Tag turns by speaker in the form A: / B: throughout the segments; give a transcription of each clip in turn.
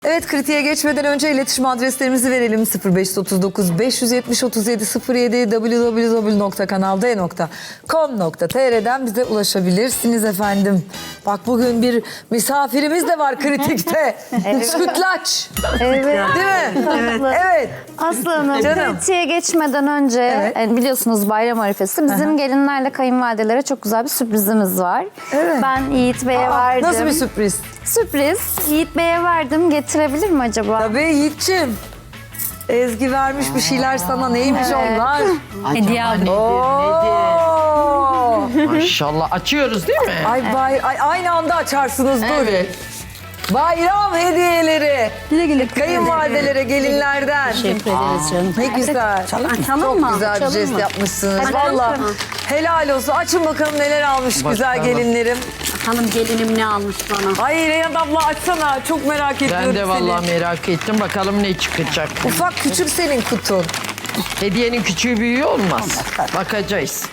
A: Evet, kritiğe geçmeden önce iletişim adreslerimizi verelim. 0539 570 37 07 www.kanalde.com.tr'den bize ulaşabilirsiniz efendim. Bak bugün bir misafirimiz de var kritikte. Sütlaç.
B: Evet.
A: Değil mi? Evet.
B: Aslı Hanım,
A: Canım.
B: kritiğe geçmeden önce biliyorsunuz bayram arifesi. Bizim gelinlerle kayınvalidelere çok güzel bir sürprizimiz var.
A: Evet.
B: Ben Yiğit Bey'e verdim.
A: Nasıl bir sürpriz?
B: Sürpriz. Yiğit Bey'e verdim. Getirebilir mi acaba?
A: Tabii Yiğit'ciğim. Ezgi vermiş bir şeyler sana. Neymiş onlar?
C: Hediye aldım.
A: Oo.
D: Maşallah açıyoruz değil mi?
A: Ay, aynı anda açarsınız dur.
D: Evet.
A: Bayram hediyeleri.
B: Güle güle.
A: Kayınvalidelere, gelinlerden.
C: Teşekkür ederiz canım.
A: Ne güzel. Çok güzel bir jest yapmışsınız.
B: Hadi
A: Valla
B: açalım.
A: helal olsun. Açın bakalım neler almış güzel gelinlerim.
C: Hanım gelinim ne almış bana?
A: Ay Reyhan abla açsana. Çok merak ediyorum
D: Ben de
A: seni.
D: vallahi merak ettim. Bakalım ne çıkacak.
A: Ufak küçük senin kutun.
D: Hediyenin küçüğü büyüğü olmaz. Bakacağız.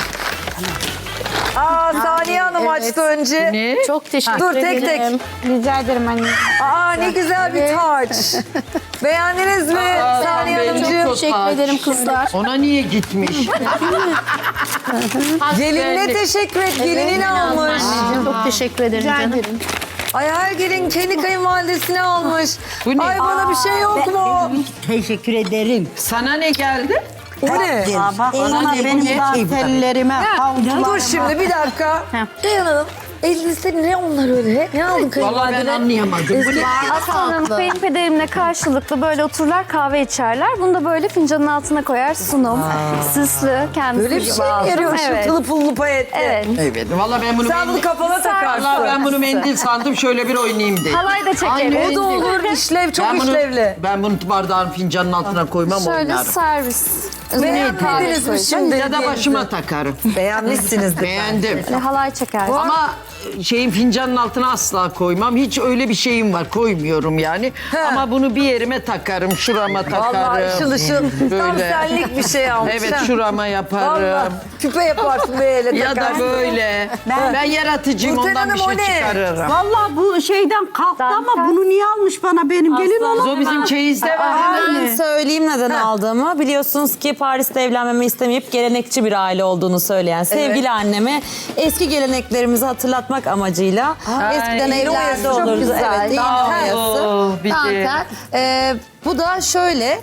A: Saniye Hanım açtı önce.
D: Ne?
C: Çok teşekkür
A: Dur
C: ederim.
A: tek tek.
B: Rica ederim anne.
A: Ne güzel bir taç. Beğendiniz mi Saniye
D: ben
A: Hanımcığım?
D: çok-
C: Teşekkür ederim kızlar.
D: Ona niye gitmiş?
A: Gelinine teşekkür et. Gelinin almış.
C: Çok teşekkür ederim canım.
A: Ay her gelin kendi kayınvalidesine almış.
D: Bu ne?
A: Ay bana bir şey yok mu?
E: Teşekkür ederim.
D: Sana ne geldi?
A: O ne?
E: Bana
D: ne, bu
E: benim
D: ne?
E: dantellerime, havlularıma.
A: Dur şimdi bir dakika. Reyhan Hanım elinizde ne onlar öyle? Ne aldın
D: Vallahi ben
A: kayınvalidene?
D: anlayamadım. Bu ne?
B: Aslı Hanım, kayınpederimle karşılıklı böyle otururlar, kahve içerler. Bunu da böyle fincanın altına koyar, sunum. Süslü, kendisi
A: Böyle bir
B: gibi
A: şey mi
B: aldım.
A: yarıyor?
B: Evet.
A: Şıltılı pullu payetli.
B: Evet.
D: Evet. Vallahi ben bunu
A: Sen bunu kafana takarsın.
D: Vallahi ben bunu mendil sandım. Şöyle bir oynayayım dedim.
B: Halay da
A: O
B: çekeriz.
A: da olur. İşlev çok işlevli.
D: Ben bunu bardağın fincanın altına koymam
B: Şöyle
D: oynarım.
B: servis.
A: Beğenmediniz mi şimdi?
D: Ya da başıma takarım.
A: Beğenmişsinizdir.
D: Beğendim.
B: Böyle halay çeker.
D: Ama şeyin fincanın altına asla koymam. Hiç öyle bir şeyim var. Koymuyorum yani. Ama bunu bir yerime takarım. Şurama takarım.
A: Vallahi ışıl ışıl. Tam
D: Böyle.
A: senlik bir şey almış.
D: Evet
A: ha.
D: şurama yaparım.
A: Vallahi küpe yaparsın böyle
D: Ya da
A: takarsın.
D: böyle. Ben yaratıcıyım,
A: Nurten
D: ondan bir
A: Hanım, o
D: şey
A: ne?
D: çıkarırım.
E: Vallahi bu şeyden kalktı
B: Dantel.
E: ama bunu niye almış bana benim gelin onu?
D: O bizim çeyizde var.
F: Ben söyleyeyim neden aldığımı. Biliyorsunuz ki Paris'te evlenmemi istemeyip gelenekçi bir aile olduğunu söyleyen sevgili anneme eski geleneklerimizi hatırlatmak amacıyla eskiden
A: iğne oyası
F: evlerde
A: çok
F: olurdu.
A: güzel.
F: Evet, iğne oyası.
D: bir de-
F: Dantel. Bu da şöyle.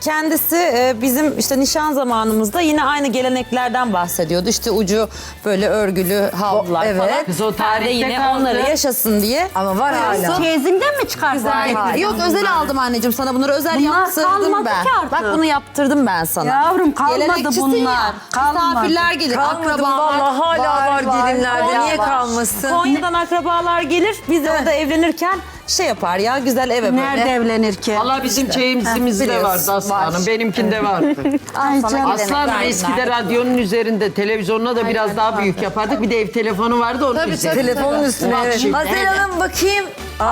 F: Kendisi bizim işte nişan zamanımızda yine aynı geleneklerden bahsediyordu. İşte ucu böyle örgülü havlular
A: Evet.
F: falan.
D: Kız o
F: Ben de
D: tarihte
F: yine
D: kaldı.
F: onları yaşasın diye.
A: Ama var hala.
E: Teyzimden mi çıkarsın?
F: Yok özel aldım anneciğim sana bunları özel
E: Bunlar
F: yaptırdım
E: kalmadı
F: ben.
E: ki artık.
F: Bak bunu yaptırdım ben sana.
E: Yavrum, kalmadı
F: Gelenekçisin
E: bunlar.
F: ya.
E: Kalmadı.
F: Misafirler gelir,
A: Kalmadı
F: akrabalar.
A: vallahi hala var gelinlerde.
F: Hala
A: Niye
F: var.
A: kalmasın?
F: Konya'dan akrabalar gelir. Biz de orada evlenirken şey yapar ya güzel eve böyle.
E: Nerede evlenir ki?
D: Valla bizim çeyizimizde
F: biliyorsun,
D: vardı Aslanım.
F: var.
D: Benimkinde vardı.
E: Ay canım.
D: Aslanım eskide radyonun üzerinde televizyonuna da biraz daha büyük yapardık. Bir de ev telefonu vardı onun üzerinde.
A: Telefonun üstüne.
D: Bak
A: Evet.
D: şimdi.
A: Hazel Hanım bakayım.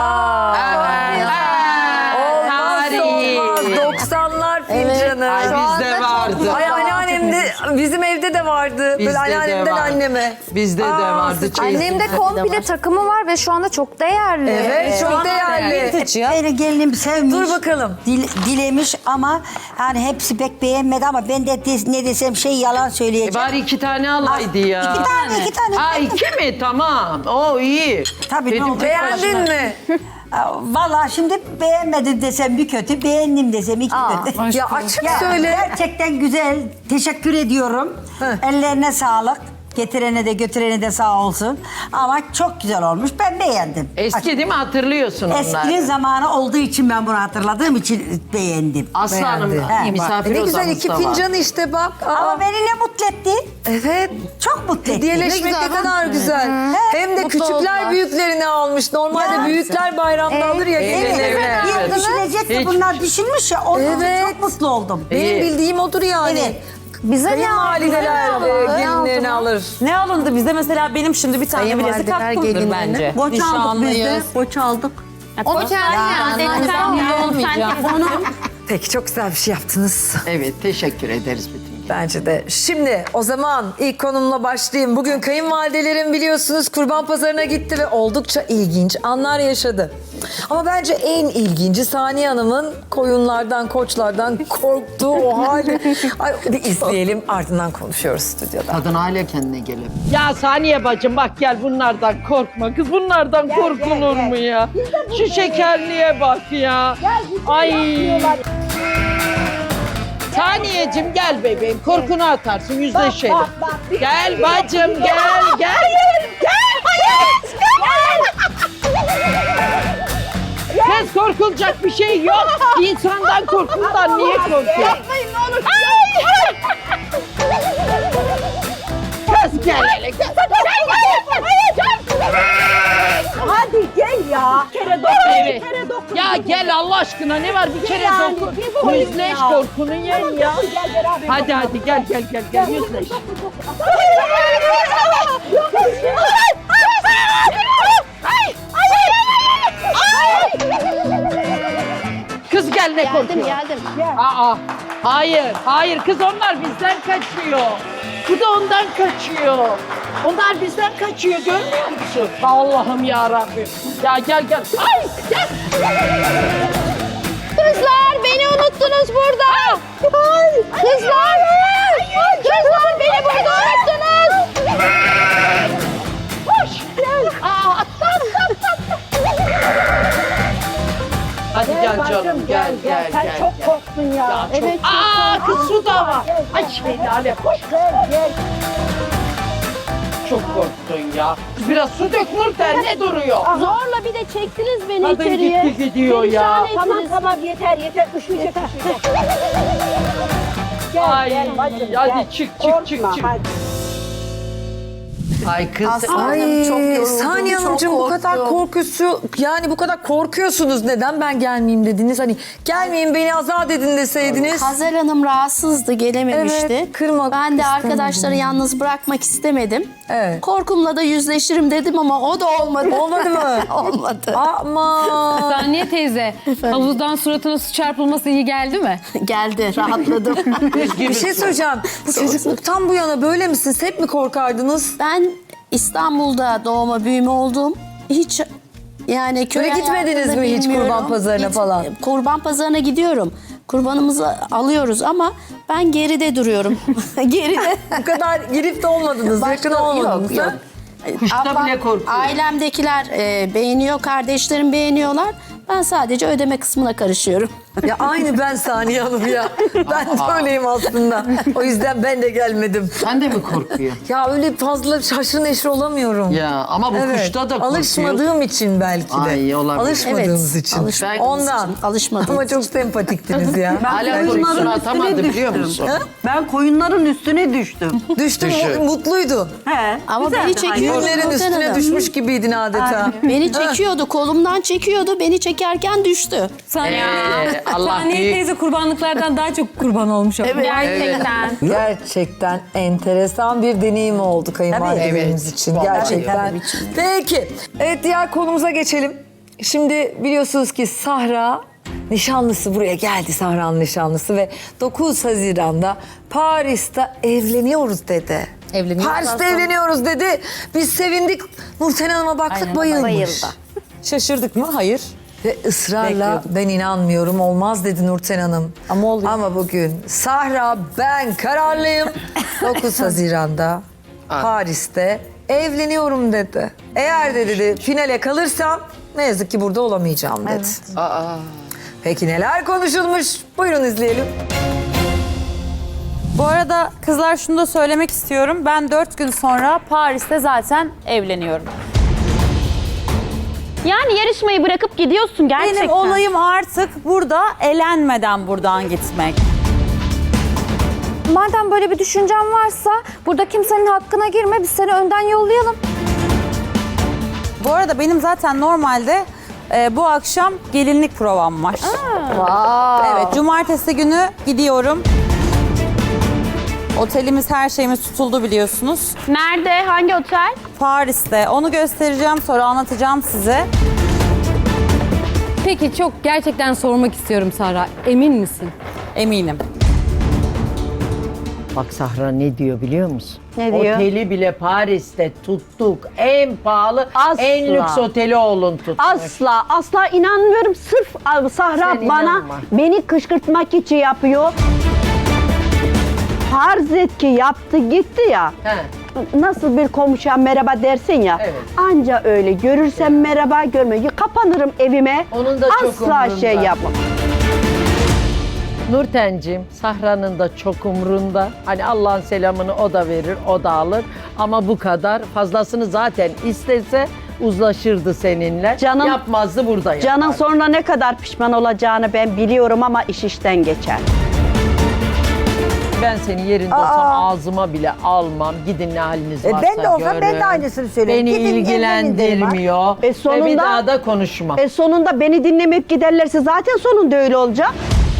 D: Tarihi.
A: Olmaz 90'lar fincanı.
D: Ay bizde vardı.
A: Ay anneannemde, bizim evde de vardı.
D: Bizde
A: Böyle
D: de
A: anneannemden
D: var.
A: anneme.
D: Bizde de vardı. çeyizimizde
B: Annemde
D: de
B: komple
D: var.
B: takımı var ve şu anda çok değerli.
A: Evet, çok değerli.
E: Beni gelinim sevmiş.
A: Dur bakalım.
E: Dilemiş ama yani hepsi pek beğenmedi ama ben de ne desem şey yalan söyleyeceğim.
D: Bari 2 tane alaydı ya.
E: İki tane.
D: Ha 2 mi? Tamam. O iyi.
E: Tabii, ne oldu?
A: Beğendin mi?
E: Vallahi şimdi beğenmedim desem bir kötü, beğendim desem iki kötü.
A: Ya açık
E: Ya,
A: söyle.
E: gerçekten güzel. Teşekkür ediyorum. Ellerine sağlık. Getirene de götürene de sağ olsun. Ama çok güzel olmuş. Ben beğendim.
D: Eski değil mi? Hatırlıyorsun
E: Eskinin
D: onları.
E: zamanı olduğu için ben bunu hatırladığım için beğendim.
D: Aslanım
A: Beğendi.
D: misafir
A: Ne güzel
D: odamızda
A: iki
D: var.
A: fincan işte bak.
E: Ama beni ne mutlu etti?
A: Evet.
E: Çok mutlu etti.
A: Hediyeleşmek ne kadar güzel. Hem de küçükler büyüklerini almış. Normalde
E: Ya.
A: büyükler bayramda alır ya
E: Evet,
A: gelinlerine.
E: bir düşünecek de
D: Hiç-
E: bunlar düşünmüş ya. Onun için
A: Evet.
E: çok mutlu oldum.
A: Benim
D: İyi.
A: bildiğim odur yani.
E: Evet.
B: Bize ne
A: Kayınvalideler
B: aldı?
A: gelinlerini alır.
F: Ne alındı bize mesela benim şimdi bir tane bilezik
A: Kayınvalideler
F: hakkımdır
A: gelinlerine.
F: bence.
E: Boç aldık biz de.
F: Nişanlıyız.
E: Boç aldık.
B: Onu kendine
F: Olmayacak.
A: Peki çok güzel bir şey yaptınız.
D: Evet teşekkür ederiz bütün
A: Bence de. Şimdi o zaman ilk konumla başlayayım. Bugün kayınvalidelerim biliyorsunuz Kurban Pazarı'na gitti ve oldukça ilginç anlar yaşadı. Ama bence en ilginci Saniye Hanım'ın koyunlardan, koçlardan korktuğu o hali. Ay, bir izleyelim ardından konuşuyoruz stüdyoda.
D: Kadın hala kendine gelemiyor. Ya Saniye bacım bak gel bunlardan korkma kız. Bunlardan korkulur mu ya? Şu şekerliğe bak ya. Ay. Saniyeciğim gel bebeğim. Korkunu atarsın yüzleşelim. Gel bacım gel gel. Kız korkulacak bir şey yok. İnsandan korkuldan niye korkuyor? Yapmayın ne olur. Kız gel hele.
G: Hadi gel ya.
D: Evet. Ya gel Allah aşkına ne var bir kere dokun. Yüzleş korkunu yen ya. Hadi hadi gel yüzleş. Kız gel ne korkuyor?
B: Geldim.
D: Aa, hayır kız onlar bizden kaçıyor. Bu da ondan kaçıyor. Onlar bizden kaçıyor görmüyor musun? Allah'ım ya Rabbim. Ya gel. Ay gel.
B: Kızlar beni unuttunuz burada. Kızlar beni burada unuttunuz.
D: Koş. Aa, Hadi gel canım gel.
G: Sen çok korktun ya.
D: Evet. Aa kız su da var. Ay Lale koş.
G: Gel.
D: Çok korktun ya. Biraz su dök Nurten ne duruyor?
B: Zorla bir de çektiniz beni
D: Kadın
B: içeriye.
D: gitti gidiyor ya.
G: Tamam yeter. Üşüyecek.
D: Ay
G: Gel bacım,
D: hadi
G: gel.
D: çık.
G: Korkma, hadi.
D: Ay kız.
A: Ay Saniye Hanımcığım bu kadar bu kadar korkuyorsunuz. Neden ben gelmeyeyim dediniz? Hani gelmeyin beni azat edin deseydiniz.
H: Hazal Hanım rahatsızdı, gelememişti.
A: Evet, kırmak
H: Ben de
A: istemedim.
H: arkadaşları yalnız bırakmak istemedim.
A: Evet.
H: Korkumla da yüzleşirim dedim ama o da olmadı.
A: Olmadı mı?
H: Olmadı.
A: Ama
I: Saniye teyze, havuzdan suratına su çarpılması iyi geldi mi?
H: Geldi, rahatladım.
A: bir şey söyleyeceğim. Bu çocukluktan bu yana böyle misiniz? Hep mi korkardınız?
H: Ben İstanbul'da doğma büyüme oldum. Hiç yani köy
A: Böyle gitmediniz
H: hayatını
A: mi hiç
H: bilmiyorum.
A: kurban pazarına falan?
H: Kurban pazarına gidiyorum. Kurbanımızı alıyoruz ama ben geride duruyorum. Geride.
A: Bu kadar girip de olmadınız, yakın olmadınız.
H: Yok.
A: ha?
D: Kuşta bile korkuyor.
H: Ailemdekiler beğeniyor, kardeşlerim beğeniyorlar. Ben sadece ödeme kısmına karışıyorum.
A: Ya aynı ben Saniye Hanım ya. Ben de öyleyim aslında. O yüzden ben de gelmedim.
D: Sen de mi korkuyor?
A: Ya öyle fazla şaşır neşir olamıyorum.
D: Ya ama bu kuşta da korkuyor.
A: Alışmadığım için belki de.
D: Ay, olabilir.
A: Alışmadığınız için.
H: alışmadığımız
A: Ondan.
H: için, alışmadığımız
A: Ama çok sempatiktiniz ya.
D: Hala korkusunu atamadı biliyor musun?
E: Ben koyunların üstüne düştüm.
A: Düştün mutluydu.
E: He.
H: Ama beni çekiyordu.
A: Günlerin
H: Nurten
A: üstüne
H: Hanım.
A: düşmüş gibiydin adeta.
H: Beni çekiyordu, kolumdan çekiyordu. Beni çekerken düştü.
I: Saniye,
D: Allah
I: Saniye
D: büyük.
I: teyze kurbanlıklardan daha çok kurban olmuş. Evet.
B: Gerçekten.
A: Gerçekten enteresan bir deneyim oldu kayınvalidelerimiz
D: Evet.
A: için.
D: Vallahi
A: Gerçekten.
H: tabii.
A: Peki. Evet diğer konumuza geçelim. Şimdi biliyorsunuz ki Sahra nişanlısı buraya geldi, Sahra'nın nişanlısı ve 9 Haziran'da Paris'te evleniyoruz dedi. Paris'te evleniyoruz dedi. Biz sevindik. Nurten Hanım'a baktık bayılmış.
F: Şaşırdık mı? Hayır.
A: Ve ısrarla ben inanmıyorum olmaz dedi Nurten Hanım.
F: Ama oluyor.
A: Ama bugün Sahra ben kararlıyım. 9 Haziran'da Paris'te evleniyorum dedi. Eğer de dedi finale kalırsam ne yazık ki burada olamayacağım dedi. Peki neler konuşulmuş? Buyurun izleyelim.
J: Bu arada kızlar şunu da söylemek istiyorum. Ben 4 gün sonra Paris'te zaten evleniyorum.
B: Yani yarışmayı bırakıp gidiyorsun gerçekten.
J: Benim olayım artık burada elenmeden buradan gitmek.
B: Madem böyle bir düşüncen varsa burada kimsenin hakkına girme. Biz seni önden yollayalım.
J: Bu arada benim zaten normalde bu akşam gelinlik provam var. Evet, cumartesi günü gidiyorum. Otelimiz, her şeyimiz tutuldu biliyorsunuz.
B: Nerede? Hangi otel?
J: Paris'te. Onu göstereceğim, sonra anlatacağım size.
I: Peki çok gerçekten sormak istiyorum Sahra. Emin misin?
J: Eminim.
D: Bak Sahra ne diyor biliyor musun?
C: Ne diyor?
D: Oteli bile Paris'te tuttuk. En pahalı,
C: Asla.
D: en lüks oteli oğlun tutmuş.
C: Asla inanmıyorum. Sırf Sahra
D: Sen
C: bana
D: inanma.
C: beni kışkırtmak için yapıyor. Farz et ki yaptı gitti ya.
D: He.
C: Nasıl bir komşuya merhaba dersin ya.
D: Evet.
C: Anca öyle. Görürsem merhaba, görmüyor. Kapanırım evime.
D: Onun da çok
C: Asla
D: umurunda.
C: şey yapmam.
D: Nurten'cim, Sahra'nın da çok umrunda. Hani Allah'ın selamını o da verir, o da alır. Ama bu kadar. Fazlasını zaten istese uzlaşırdı seninle.
C: Canım-
D: Yapmazdı burada yapar.
C: Canın sonra ne kadar pişman olacağını ben biliyorum ama iş işten geçer.
D: Ben senin yerinde olsam ağzıma bile almam. Gidin ne haliniz varsa
E: ben de olsam ben de
D: görün.
E: aynısını söylerim.
D: Beni
E: Gidin, evlenin
D: ilgilendirmiyor.
C: derim.
D: Ve
C: Sonunda-
D: bir daha da konuşmam.
C: Sonunda beni dinlemeyip giderlerse zaten sonunda öyle olacak.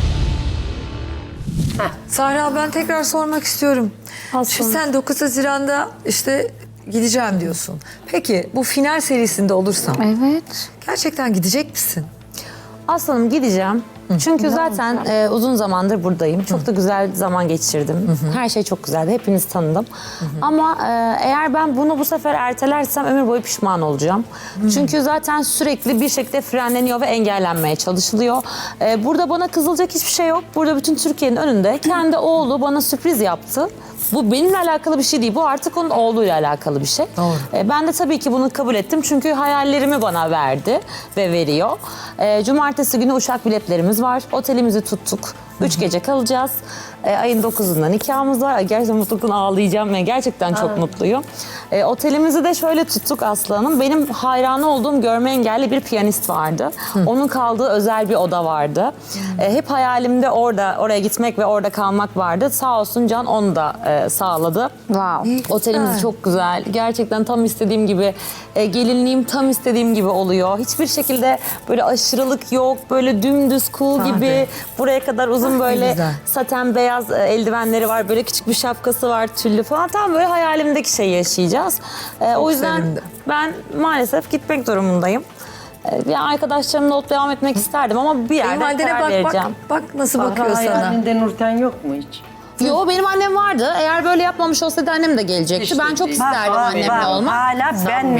A: Sahra ben tekrar sormak istiyorum. Şimdi sen 9 Haziran'da işte gideceğim diyorsun. Peki bu final serisinde olursam
B: Evet.
A: gerçekten gidecek misin?
F: Aslanım gideceğim. Çünkü zaten uzun zamandır buradayım. Çok da güzel zaman geçirdim. Her şey çok güzeldi. Hepinizi tanıdım. Ama eğer ben bunu bu sefer ertelersem ömür boyu pişman olacağım. Çünkü zaten sürekli bir şekilde frenleniyor ve engellenmeye çalışılıyor. Burada bana kızılacak hiçbir şey yok. Burada bütün Türkiye'nin önünde kendi oğlu bana sürpriz yaptı. Bu benimle alakalı bir şey değil. Bu artık onun oğluyla alakalı bir şey.
A: Doğru.
F: Ben de tabii ki bunu kabul ettim. Çünkü hayallerimi bana verdi ve veriyor. Cumartesi günü uçak biletlerimiz var. Otelimizi tuttuk. 3 gece kalacağız. Ayın 9'unda nikahımız var. Gerçekten mutluluktan ağlayacağım. Yani gerçekten çok mutluyum. Otelimizi de şöyle tuttuk Aslı Hanım. Benim hayranı olduğum görme engelli bir piyanist vardı. Onun kaldığı özel bir oda vardı. Hep hayalimde oraya gitmek ve orada kalmak vardı. Sağ olsun Can onu da sağladı.
B: Wow.
F: Otelimiz çok güzel. Gerçekten tam istediğim gibi. Gelinliğim tam istediğim gibi oluyor. Hiçbir şekilde böyle aşırılık yok. Böyle dümdüz cool gibi. Buraya kadar uzun böyle
A: güzel.
F: saten beyaz eldivenleri var. Böyle küçük bir şapkası var tüllü falan. Tam böyle hayalimdeki şeyi yaşayacağız. O yüzden
A: sevindim.
F: ben maalesef gitmek durumundayım. Bir arkadaşlarımla olup devam etmek isterdim ama bir yerde
A: Kayınvalidene
F: karar
A: bak
F: vereceğim.
A: bak nasıl bakıyor
D: Sahra
A: sana.
D: hayalinde Nurten yok mu hiç?
F: Yo benim annem vardı. Eğer böyle yapmamış olsaydı annem de gelecekti.
D: İşte
F: ben çok
D: değil.
F: isterdim annemle olmak.
C: Hala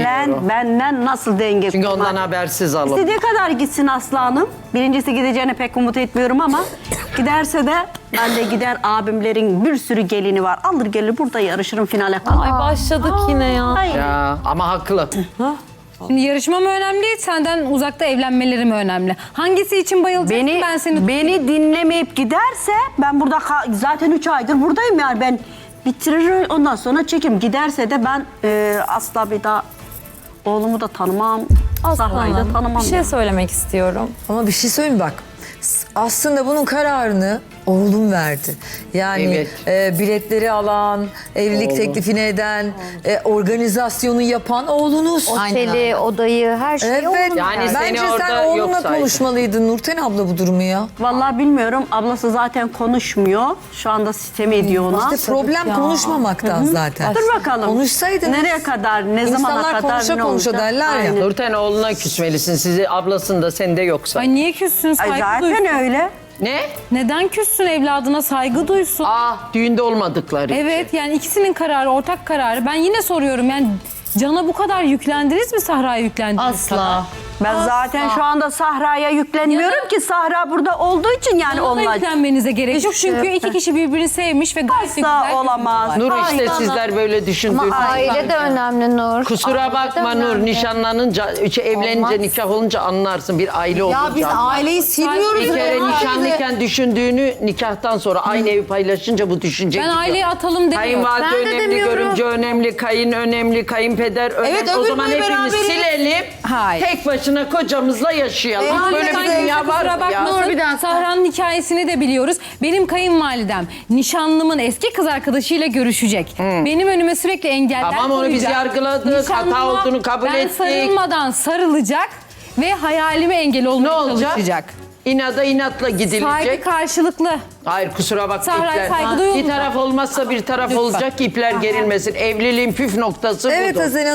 C: benden nasıl denge
D: Çünkü
C: kurmak.
D: ondan habersiz alın.
C: İstediği kadar gitsin Aslı Hanım. Birincisi gideceğine pek umut etmiyorum ama giderse de ben de gider, abimlerin bir sürü gelini var. Alır gelir burada yarışırım, finale kalır.
F: Ay başladık yine ya.
C: Ay.
D: Ya ama haklı.
I: Şimdi yarışma mı önemli, senden uzakta evlenmeleri mi önemli? Hangisi için bayılacaksın ben seni...
C: Beni dinlemeyip giderse ben burada zaten 3 aydır buradayım yani ben bitiririm ondan sonra çekim. Giderse de ben asla bir daha oğlumu da tanımam. Sahra'yı da tanımam.
F: Bir şey
C: yani.
F: söylemek istiyorum.
A: Ama bir şey söyleyeyim bak. Aslında bunun kararını oğlum verdi. Yani biletleri alan, evlilik teklifini eden, organizasyonu yapan oğlunuz.
B: Oteli, odayı, her şeyi
A: Evet.
B: oğlum
D: Yani
B: verdi.
D: seni
A: Bence
D: orada
A: sen
D: yok
A: oğlunla
D: saydı.
A: konuşmalıydın Nurten abla bu durumu ya.
C: Vallahi bilmiyorum. Ablası zaten konuşmuyor. Şu anda sitem ediyor ona.
A: İşte problem konuşmamaktan zaten.
C: Dur bakalım.
A: Konuşsaydınız.
C: Nereye kadar, ne zamana
A: İnsanlar
C: kadar
A: konuşa
C: ne
A: konuşa
C: olacak?
A: derler ya.
C: Aynen.
D: Nurten oğluna küsmelisin. Sizi ablasında sende yoksa.
I: Ay niye küssün,
C: Ay
I: saygı
C: zaten
I: duysun.
C: öyle.
D: Ne?
I: Neden küssün, evladına saygı duysun?
D: Düğünde olmadıkları.
I: Evet, yani ikisinin kararı, ortak kararı. Ben yine soruyorum, yani Can'a bu kadar yüklendiniz mi, Sahra'ya yüklendiniz?
F: Asla.
C: Ben zaten şu anda Sahra'ya yüklenmiyorum ki Sahra burada olduğu için yani
I: Can'a da
C: onlar
I: yüklenmenize gerek yok. Çünkü iki kişi birbirini sevmiş ve gayet de güzel
C: asla olamaz.
D: Nur işte
C: Ay,
D: sizler böyle düşündüğünüz.
B: Aile de önemli Nur.
D: Kusura
B: Aile de
D: bakma Nur,
B: önemli.
D: nişanlanınca, evlenince,
B: Olmaz.
D: nikah olunca anlarsın bir aile olunca.
F: Ya biz aileyi silmiyoruz.
D: Bir kere
F: ya.
D: nişanlıyken düşündüğünü nikahtan sonra aynı evi paylaşınca bu düşünce
I: Ben
D: gidiyor.
I: aileyi atalım demiyorum.
D: Kayınvalide
B: Ben de
D: önemli,
B: demiyorum.
D: görümce önemli, kayın önemli, kayınpeder önemli.
F: Evet,
D: o
F: ömür
D: zaman
F: boyu
D: hepimiz
F: beraberiz.
D: silelim.
I: Hayır.
D: Tek başına kocamızla yaşayalım. Böyle bir
I: Sanki
D: dünya var
I: kusura
D: mı ya?
I: bakmasın. Sahra'nın hikayesini de biliyoruz. Benim kayınvalidem nişanlımın eski kız arkadaşıyla görüşecek. Benim önüme sürekli engeller
D: Tamam, onu biz
I: koyacak.
D: yargıladık, hata
I: Nişanlıma
D: olduğunu kabul
I: ben
D: ettik.
I: sarılmadan sarılacak ve hayalime engel
D: Ne
I: olmaya
D: olacak?
I: çalışacak.
D: İnada inatla gidilecek.
I: Saygı karşılıklı.
D: Hayır kusura bakma
I: Sahra'ya
D: ipler.
I: saygı duyulmayacak.
D: Bir taraf olmazsa bir taraf olacak ki ipler gerilmesin. Evliliğin püf noktası
A: Evet
D: budur.
A: Hazen Hanım.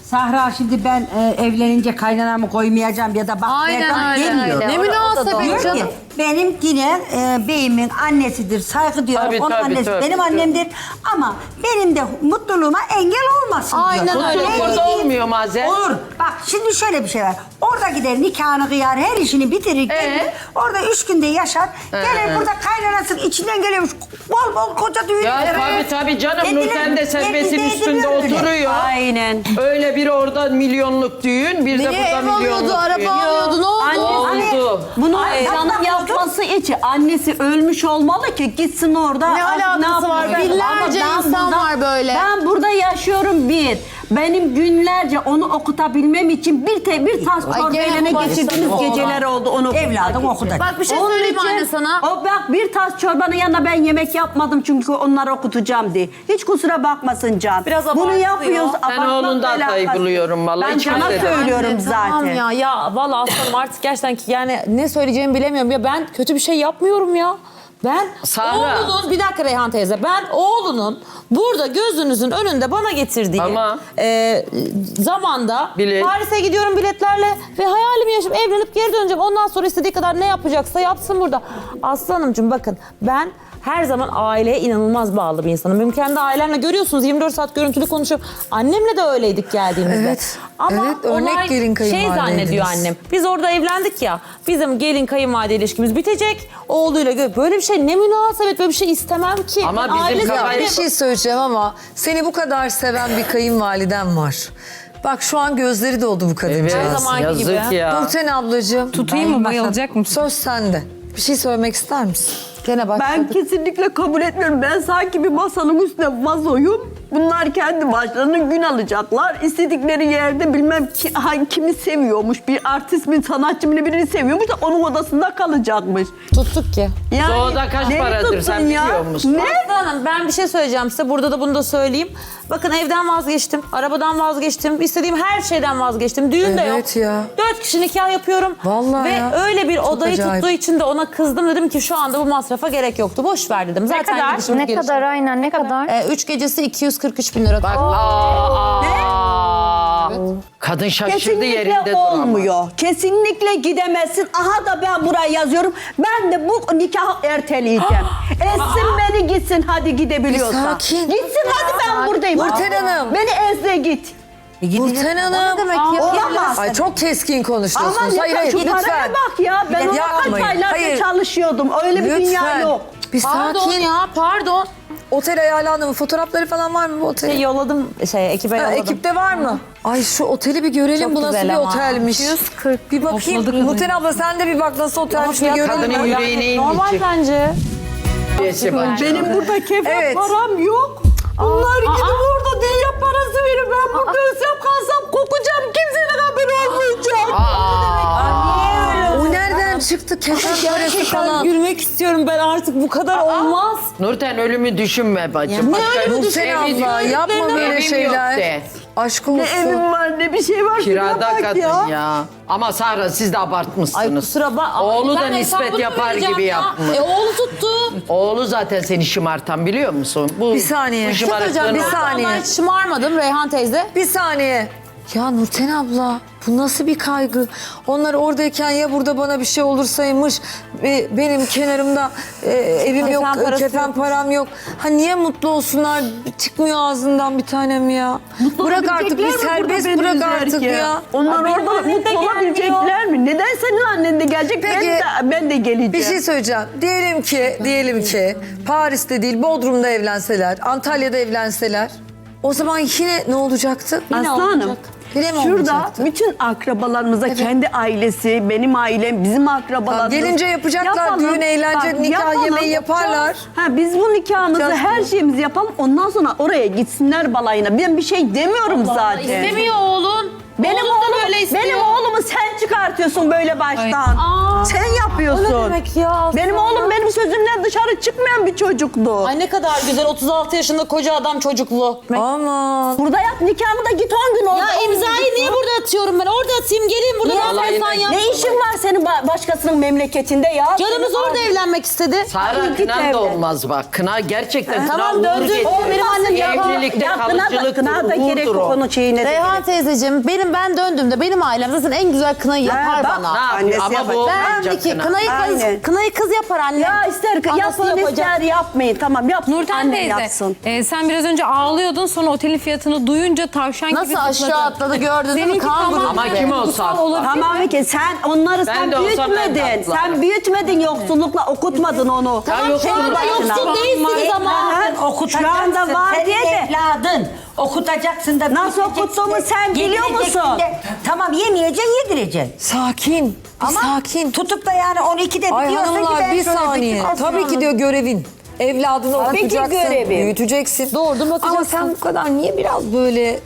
E: Sahra şimdi ben evlenince kaynanamı koymayacağım ya da bakmayacağım
B: Aynen öyle,
E: demiyor.
B: öyle.
I: Ne münasebet
E: Diyor ki
I: canım.
E: benim yine beyimin annesidir, saygı diyorum.
D: Tabii,
E: Onun
D: tabii,
E: annesi
D: tabii,
E: benim
D: tabii.
E: annemdir ama benim de mutluluğuma engel olmasın
J: Aynen
E: diyor.
J: öyle.
E: Ben
D: Burada
E: gideyim-
D: olmuyor bazen.
E: Olur. Bak şimdi şöyle bir şey var. Orada gider nikahını kıyar, her işini bitirir. gelir. Orada 3 günde yaşar. Gelir burada kaynanasının içinden geliyormuş. Bol bol koca düğün.
D: Ya tabii canım, Nurten de servetin üstünde oturuyor.
C: Aynen.
D: Öyle bir orada milyonluk düğün, bir de burada milyonluk düğün.
J: alıyordu, ne
D: Oldu.
C: Bunu canım yapması için annesi ölmüş olmalı ki gitsin orada.
J: Ne alakası var? Binlerce insan var böyle.
C: Ben burada yaşıyorum bir. Benim günlerce onu okutabilmem için bir tas çorbayla ne geçirdiğimiz geceler oldu onu
E: Evladım okutacak.
J: Bak bir şey
C: Onun
J: söyleyeyim
C: için
J: anne sana.
C: O bak bir tas çorbanın yanında ben yemek yapmadım çünkü onları okutacağım diye. Hiç kusura bakmasın Can.
J: Biraz
C: Bunu
J: abartılıyor.
C: yapıyoruz.
D: Ben oğlundan
C: abartmakla
D: hatayı
C: alakası-
D: buluyorum vallahi.
C: Ben
D: Hiç
C: Can'a
D: kimse de.
C: söylüyorum zaten.
F: Tamam ya vallahi aslanım artık gerçekten ki yani ne söyleyeceğimi bilemiyorum. Ya ben kötü bir şey yapmıyorum ya. Ben
D: Sahra.
F: oğlunun, bir dakika Reyhan teyze, ben oğlunun burada gözünüzün önünde bana getirdiği
D: Tamam.
F: zamanda
D: Bilet.
F: Paris'e gidiyorum biletlerle ve hayalimi yaşayıp evlenip geri döneceğim. Ondan sonra istediği kadar ne yapacaksa yapsın burada. Aslanımcığım bakın ben her zaman aileye inanılmaz bağlı bir insanım. Benim kendi ailemle görüyorsunuz 24 saat görüntülü konuşuyorum. Annemle de öyleydik geldiğimizde.
A: Evet,
F: Ama
A: evet, örnek
F: olay
A: gelin kayınvalideydiniz.
F: zannediyor annem. Biz orada evlendik ya. Bizim gelin kayınvalide ilişkimiz bitecek. Oğluyla böyle bir şey ne münasebet, böyle bir şey istemem ki.
D: Ama
F: Ben
D: bizim
F: aile
A: Ya
D: kafayı-
A: bir şey söyleyeceğim ama seni bu kadar seven bir kayınvaliden var. Bak şu an gözleri doldu bu
D: Evet,
A: kadıncağız.
F: zamanki
D: yazık
F: gibi.
D: ya.
A: Nurten ablacığım.
I: Tutayım mı, bayılacak mısın?
A: Söz sende. Bir şey söylemek ister misin?
F: Gene başladık.
C: Ben kesinlikle kabul etmiyorum. Ben sanki bir masanın üstüne vazoyum. Bunlar kendi başlarına gün alacaklar. İstedikleri yerde bilmem kimi seviyormuş. Bir artist mi, sanatçı mı birini seviyormuş da onun odasında kalacakmış.
F: Tuttuk ki.
C: Yani,
D: Doğuda kaç
C: neyi
D: paradır
C: tuttun
D: sen biliyor musun?
C: Ne?
F: Aslanım ben bir şey söyleyeceğim size. Burada da bunu da söyleyeyim. Bakın evden vazgeçtim. Arabadan vazgeçtim. İstediğim her şeyden vazgeçtim. Düğün de yok.
A: Evet ya.
F: 4 kişi nikah yapıyorum.
A: Vallahi
F: Ve
A: ya.
F: öyle bir odayı
A: acayip.
F: tuttuğu için de ona kızdım. Dedim ki şu anda bu masrafa gerek yoktu. Boş ver dedim. Zaten
B: kadar?
F: gidişim
B: Ne
F: gelişim.
B: kadar aynen ne kadar?
F: 3 gecesi 243 bin lira.
D: Bak kadın şaşırdı
C: Kesinlikle
D: yerinde duramaz.
C: olmuyor. Kesinlikle gidemezsin. Aha da ben buraya yazıyorum. Ben de bu nikahı erteleyeceğim. Etsin beni gitsin hadi gidebiliyorsan.
A: Bir sakin.
C: Gitsin hadi ben buradayım.
A: Nurten Hanım.
C: Beni ezle git.
A: Nurten Hanım.
C: Olamaz.
A: Ay çok keskin konuşuyorsunuz.
C: Ama
A: Hayır hayır
C: şu
A: lütfen.
C: paraya bak ya. Ben ona kaç
A: Yapmayın.
C: aylardır
A: Hayır.
C: çalışıyordum. Öyle bir dünya
A: Lütfen.
C: yok.
A: Bir
F: Pardon
A: sakin.
F: ya pardon.
A: Otel ayarlandı mı? Fotoğrafları falan var mı bu otelin?
F: Yolladım ekibe
A: Ha,
F: yolladım.
A: ekipte var mı? Ay şu oteli bir görelim.
F: Çok
A: Bu nasıl
F: güzel
A: bir
F: ama.
A: otelmiş.
B: 140.
A: Bir bakayım.
I: Hopladı kadın.
A: Nurten abla sen de bir bak nasıl otelmiş bir
F: Fiyat
A: görelim.
D: kadının
A: mi?
D: yüreğine
F: Normal
D: inecek.
F: bence.
C: Benim burada kefen
A: Evet.
C: param yok. Bunlar gidip orada dünya parası verir. Ben burada ölsem kalsam kokacağım. Kimsenin haberi olmayacak.
A: O nereden çıktı? Kefen parası falan.
F: Gülmek istiyorum ben artık bu kadar olmaz.
D: Nurten ölümü düşünme bacım. Başka
A: Nurten
D: evi
A: abla
D: diyor.
A: yapma
D: Evim
A: böyle
D: yok
A: şeyler.
D: de.
A: Aşk
C: Ne
A: olsun.
C: evim var ne bir şey var.
D: Kirada
C: Şuna bak
D: kadın ya. Ama Sahra siz de
F: Ay
D: abartmışsınız.
F: kusura bak.
D: Oğlu da
F: Ben
D: nispet
F: hesabını
D: yapar
F: vereceğim
D: gibi
F: ya.
D: yapmış.
F: Oğlu tuttu.
D: Oğlu zaten seni şımartan biliyor musun? Bu,
A: Bir saniye.
D: Bu
A: Bir şey
D: şımarıklığın
A: söyleyeceğim, bir
D: o-
A: saniye.
F: Ben hiç şımarmadım Reyhan teyze.
A: Bir saniye. Ya Nurten abla bu nasıl bir kaygı? Onlar oradayken ya burada bana bir şey olursaymış, benim kenarımda evim
F: Kefen
A: yok,
F: parası
A: kefen
F: yok.
A: param yok. Ha niye mutlu olsunlar? Çıkmıyor ağzından bir tanem ya. Bırak artık bir serbest bırak artık ya.
C: Onlar
F: Benim
C: orada
F: annem de
C: mutlu olabilecekler mi? Neden senin annen de gelecek?
A: Peki,
C: Ben de geleceğim.
A: Bir şey söyleyeceğim. Diyelim ki Paris'te değil Bodrum'da evlenseler, Antalya'da evlenseler. O zaman yine ne olacaktı?
C: Aslanım.
A: Yine mi
C: Şurada
A: olmayacaktı?
C: bütün akrabalarımıza kendi ailesi, benim ailem, bizim akrabalarımız.
A: Gelince yapacaklar, düğün, eğlence, nikah, yemeği yaparlar.
C: Ha, biz bu nikahımızı,
A: Yapacağız
C: her
A: bunu.
C: şeyimizi yapalım. Ondan sonra oraya gitsinler balayına. Ben bir şey demiyorum zaten.
F: İstemiyor oğlun.
C: Benim
F: Oğlum da
C: oğlum,
F: böyle istiyor.
C: benim oğlumu sen çıkartıyorsun böyle baştan. Sen yapıyorsun. yapıyorsun?
F: O ne demek ya?
C: Benim oğlum benim sözümden dışarı çıkmayan bir çocuktu.
F: Ay ne kadar güzel 36 yaşında koca adam çocuklu.
A: Aman.
C: Burada yap nikahını da git 10 gün orada.
F: Ya imzayı niye burada atıyorum ben? Orada atayım geleyim burada ne yaparsan yap.
C: Ne işin var senin başkasının memleketinde ya?
F: Canımız
C: Senin
F: orada evlenmek istedi.
D: Sara
C: git
D: kınan
C: evlen.
D: da olmaz bak. Kına gerçekten
F: Tamam,
D: kına uğur
F: döndü.
D: getirir.
F: O benim annem
D: Evlilikte kalıcılıktır,
C: kına da gerek
D: uğurdur o.
C: konu şeyine.
J: Reyhan teyzeciğim ben döndüğümde benim ailem zaten en güzel kınayı yapar
C: bak.
J: bana.
D: Ne yapıyor?
C: Annesi
D: Ama
C: yapacak.
D: bu
J: Ben
D: olmayacak
J: iki
D: kına.
C: Aynen.
J: kınayı kız yapar anne.
C: Ya ister
J: Anası
C: yapın
J: yapacak.
C: ister yapmayın. Tamam yap.
I: Nurten
C: Annen
I: teyze,
C: yapsın.
I: sen biraz önce ağlıyordun, sonra otelin fiyatını duyunca tavşan gibi
J: Nasıl aşağı
I: zıpladın.
J: atladı gördün değil mi?
I: Seninki
J: Kan
I: tamam.
D: Ama kim olsa.
C: Tamam ki sen onları
D: Ben
C: sen
D: de olsam ben de
C: büyütmedin.
D: atlarım.
C: Sen büyütmedin yoksullukla okutmadın onu.
D: Ya yoksul
C: Şu anda
D: başına.
C: yoksul değilsiniz ama.
E: Okutacaksın.
C: Şu anda var
E: Senin
C: diye de.
E: evladın. Okutacaksın da.
C: Nasıl okuttuğumu sen biliyor
E: yedireceksin
C: musun?
E: de. Tamam yemeyeceksin yedireceksin.
A: Sakin.
E: Ama
A: sakin.
E: tutup da yani 12'de
A: Ay
E: diyorsa ki
A: hanımlar
E: ben
A: bir
E: şöyle
A: saniye.
E: bir
A: Tabii ki diyor görevin. Evladını
C: Tabii ki
A: okutacaksın,
C: görevim.
A: büyüteceksin.
F: Doğurdun, bakacaksın.
A: Ama sen bu kadar niye biraz böyle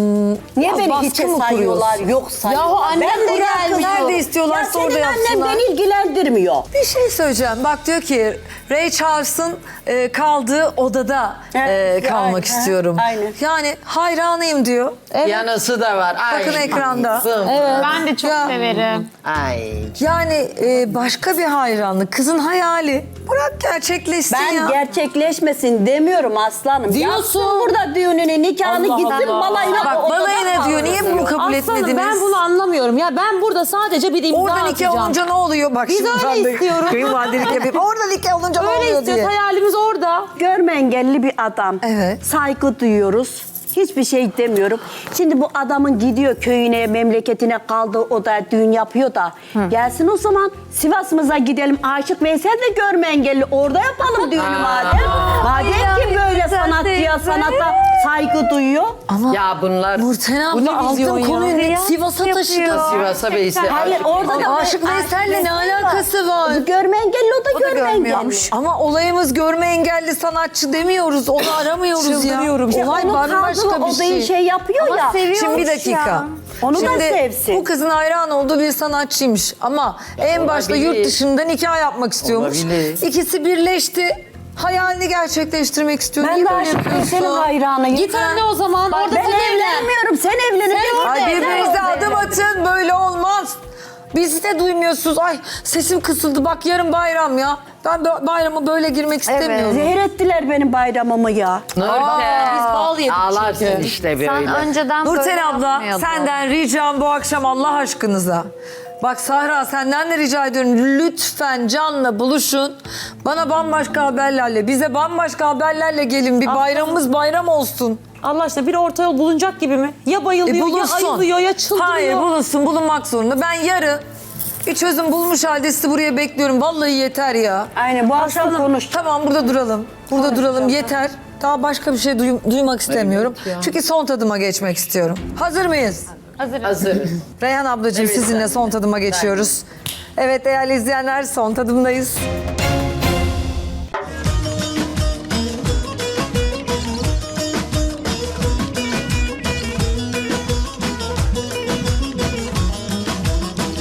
C: Niye
A: biraz
C: beni
A: baskı
C: hiçe
A: mı
C: sayıyorlar?
A: kuruyorsun?
C: Yok sayıyorlar.
F: Yahu annem
C: Ben
F: de
C: bırakıyorum.
A: Nerede istiyorlarsa
C: Ya
A: orada
C: senin annen
A: yapsınlar.
C: beni ilgilendirmiyor.
A: Bir şey söyleyeceğim. Bak diyor ki Ray Charles'ın kaldığı odada
C: Evet,
A: kalmak
C: aynen.
A: istiyorum.
C: Aynen.
A: Yani hayranıyım diyor.
D: Yanısı da var. Ay,
A: Bakın ekranda.
B: Ben de çok severim.
D: Ay.
A: Yani başka bir hayranlık. Kızın hayali. Bırak gerçekleşsin
C: Ben
A: ya.
C: gerçekleşmesin demiyorum aslanım.
F: Diyorsun.
C: Yapsın burada düğününü, nikahını gitsin balayına.
A: Bak
C: odada
A: balayına diyor. Niye bunu
C: kalsın.
A: kabul
F: Aslanım
A: etmediniz?
F: ben bunu anlamıyorum. Ya ben burada sadece bir imza
A: Orada nikah
F: atacağım.
A: olunca ne oluyor? Bak
F: Biz
A: şimdi
F: öyle
A: ben de
F: istiyoruz.
A: kayınvalidelik yapayım. Orada nikah olunca ne
F: Öyle
A: oluyor
F: istiyoruz.
A: diye.
F: Hayalimiz orada.
C: Görme engelli bir adam.
A: Evet.
C: Saygı duyuyoruz. Hiçbir şey demiyorum. Şimdi bu adamın gidiyor köyüne, memleketine kaldığı oda düğün yapıyor da. Gelsin o zaman Sivas'ımıza gidelim. Aşık Veysel de görme engelli. Orada yapalım düğünü madem. Madem ki böyle sanatçıya, sanata saygı duyuyor.
A: Ama
D: Ya bunlar
A: Nurten abla altın konuyu net Sivas'a taşıdı.
D: Sivas'a Veysel.
C: Hayır orada da
A: Aşık Veysel'le ne alakası var?
C: Görme engelli o da görme engelli.
A: Ama olayımız görme engelli sanatçı demiyoruz. Onu aramıyoruz ya.
F: Çıldırıyorum.
A: Olay
C: Onun
A: bambaşka
C: kaldığı
A: bir
C: odayı
A: şey.
C: yapıyor ya.
A: Şimdi bir dakika.
C: Onu da
A: Şimdi
C: sevsin.
A: bu kızın hayran olduğu bir sanatçıymış. Ama en başta
D: olabilir.
A: yurt dışında nikah yapmak istiyormuş.
D: Olabilir.
A: İkisi birleşti. Hayalini gerçekleştirmek istiyor.
C: Ben
A: Niye
C: de
A: böyle
C: Aşık
A: yapıyorsun?
C: Veysel'in hayranıyım.
F: Git anne o zaman. Orada
C: Ben
F: sen evlen.
C: evlenmiyorum. Sen evleneceksin.
A: Ay birbirinize adım atın. Böyle olmaz. Bizi de duymuyorsunuz. Ay sesim kısıldı. Bak yarın bayram ya. Ben bayramı böyle girmek istemiyorum.
C: Zehir ettiler benim bayramımı ya.
D: Nurten.
F: Biz bal yedik
D: Ağlarsın
F: çünkü.
D: işte böyle.
B: Sen önceden böyle
A: Nurten abla
B: yapmıyordun.
A: senden ricam bu akşam Allah aşkınıza. Bak Sahra senden de rica ediyorum lütfen Can'la buluşun. Bana bambaşka haberlerle, bize bambaşka haberlerle gelin. Bir bayramımız bayram olsun.
F: Allah aşkına bir orta yol bulunacak gibi mi? Ya bayılıyor, ya ayılıyor, ya çıldırıyor.
A: Hayır bulunsun, bulunmak zorunda. Ben yarın bir çözüm bulmuş halde sizi buraya bekliyorum. Vallahi yeter ya.
C: Aynen bu akşam konuş.
A: Tamam burada duralım. Burada duralım yeter. Daha başka bir şey duymak istemiyorum. Çünkü son tadıma geçmek istiyorum. Hazır mıyız?
D: Hazırız.
A: Reyhan ablacığım sizinle son tadıma geçiyoruz. Evet değerli izleyenler son tadımdayız.